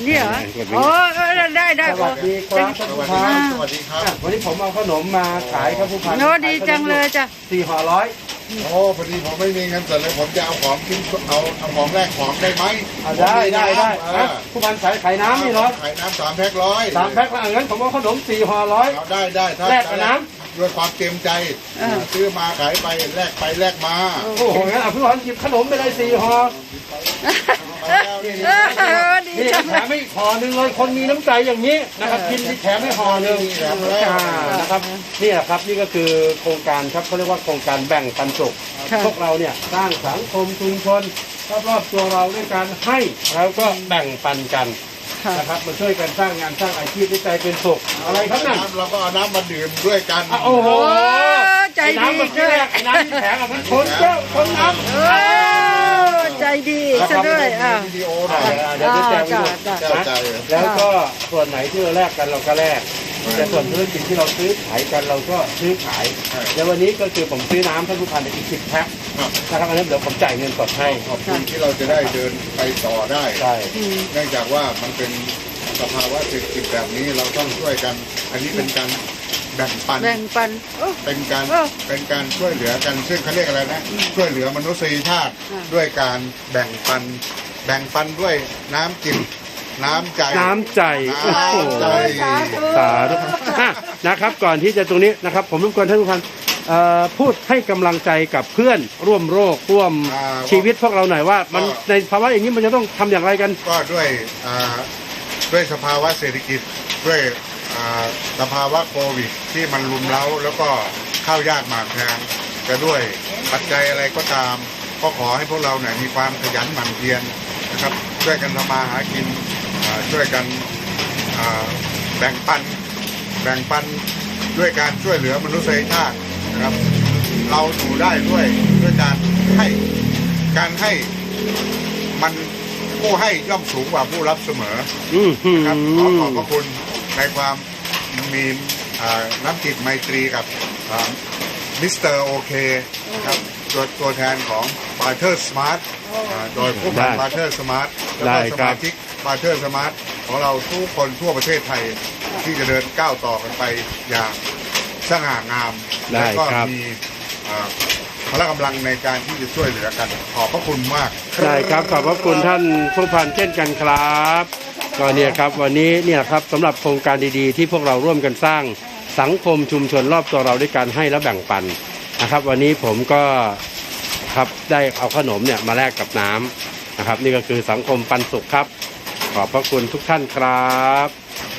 นี่เหรอโอ้ได้สวัสดีครับท่านผู้พันสวัสดีครับวันนี้ผมเอาขนมมาขายครับผู้พันโน้ดีจังเลยจ้ะ 4 ห่อร้อยโอ้พอดีผมไม่มีเงินสดเลยผมจะเอาของทิ้งเอาของแรกของได้ไหมได้ผู้พันขายน้ำนี่เนาะขายน้ำ3 แพ็คร้อย 3 แพ็คละงั้นผมเอาขนม4 ห่อร้อยเอาได้ถ้าแลกกับน้ด้วยความเต็มใจซื้อมาขายไปแลกมาโอ้โหงั้นผู้พันหยิบขนมไปเลย4 ห่อดีนี่จังแถมไม่ห่อหนึ่งเลยคนมีน้ำใจอย่างนี้นะครับกินที่แถมไม่ห่อหนึ่งนะครับนี่แหละครับนี่ก็คือโครงการครับเขาเรียกว่าโครงการแบ่งปันสุขพวกเราเนี่ยสร้างสังคมชุมชนรอบๆตัวเราด้วยการให้แล้วก็แบ่งปันกันนะครับมาช่วยกันสร้างงานสร้างอาชีพด้วยใจเป็นสุขอะไรครับนั่นเราก็เอาน้ำมาดื่มด้วยกันโอ้โหใจไอ้ดีน้ำมันที่แรกไอ้น้ำที่แถมมันคนเจ้าคนน้ำใจดีซะด้วยวิดีโอหน่อยเดี๋ยวจะแจกไปดูเจ้าใจแล้วก็ส่วนไหนที่เราแลกกันเราก็แลกแต่ส่วนธุรกิจที่เราซื้อขายกันเราก็ซื้อขายในวันนี้ก็คือผมซื้อน้ำท่านผู้พันอีก10 แพ็คนะครับอันนั้นเดี๋ยวผมจ่ายเงินสดให้ขอบคุณที่เราจะได้เดินไปต่อได้ใช่เนื่องจากว่ามันเป็นสภาวะเศรษฐกิจแบบนี้เราต้องช่วยกัน อันนี้เป็นการแบ่งปันแบ่งปันเป็นการช่วยเหลือกัน ซึ่งเขาเรียกอะไรนะ ช่วยเหลือมนุษยชาติด้วยการแบ่งปันด้วยน้ำจิตน้ำใจน้ำใจโอ้โหน้ำใจสาธุนะครับก่อนที่จะตรงนี้นะครับผมรบกวนท่านผู้พันพูดให้กำลังใจกับเพื่อนร่วมโรคร่วมชีวิตพวกเราหน่อยว่ามันในภาวะอย่างนี้มันจะต้องทำอย่างไรกันก็ด้วยสภาวะเศรษฐกิจด้วยสภาวะโควิดที่มันรุมเร้าแล้วก็ข้าวยากหมากแพงจะด้วยปัจจัยอะไรก็ตามก็ขอให้พวกเราเนี่ยมีความขยันหมั่นเพียรนะครับช่วยกันทำมาหากินช่วยกันแบ่งปันด้วยการช่วยเหลือมนุษยชาตินะครับเราอยู่ได้ด้วยการให้มันผู้ให้ย่อมสูงกว่าผู้รับเสมอนะครับขอขอบพระคุณในความมีน้ำจิตไมตรีกับมิสเตอร์โอเคนะครับตัวแทนของบาร์เทอร์สมาร์ทโดยผู้พันบาร์เทอร์สมาร์ทแล้วก็สมาชิกบาร์เทอร์สมาร์ทของเราทุกคนทั่วประเทศไทยที่จะเดินก้าวต่อกันไปอย่างสง่างามและก็มีพละกำลังในการที่จะช่วยเหลือกันขอบพระคุณมากได้ครับขอบพระคุณท่านผู้พันเช่นกันครับก็เนี่ยครับวันนี้เนี่ยครับสำหรับโครงการดีๆที่พวกเราร่วมกันสร้างสังคมชุมชนรอบตัวเราด้วยการให้และแบ่งปันนะครับวันนี้ผมก็ครับได้เอาขนมเนี่ยมาแลกกับน้ำนะครับนี่ก็คือสังคมปันสุขครับขอบพระคุณทุกท่านครับ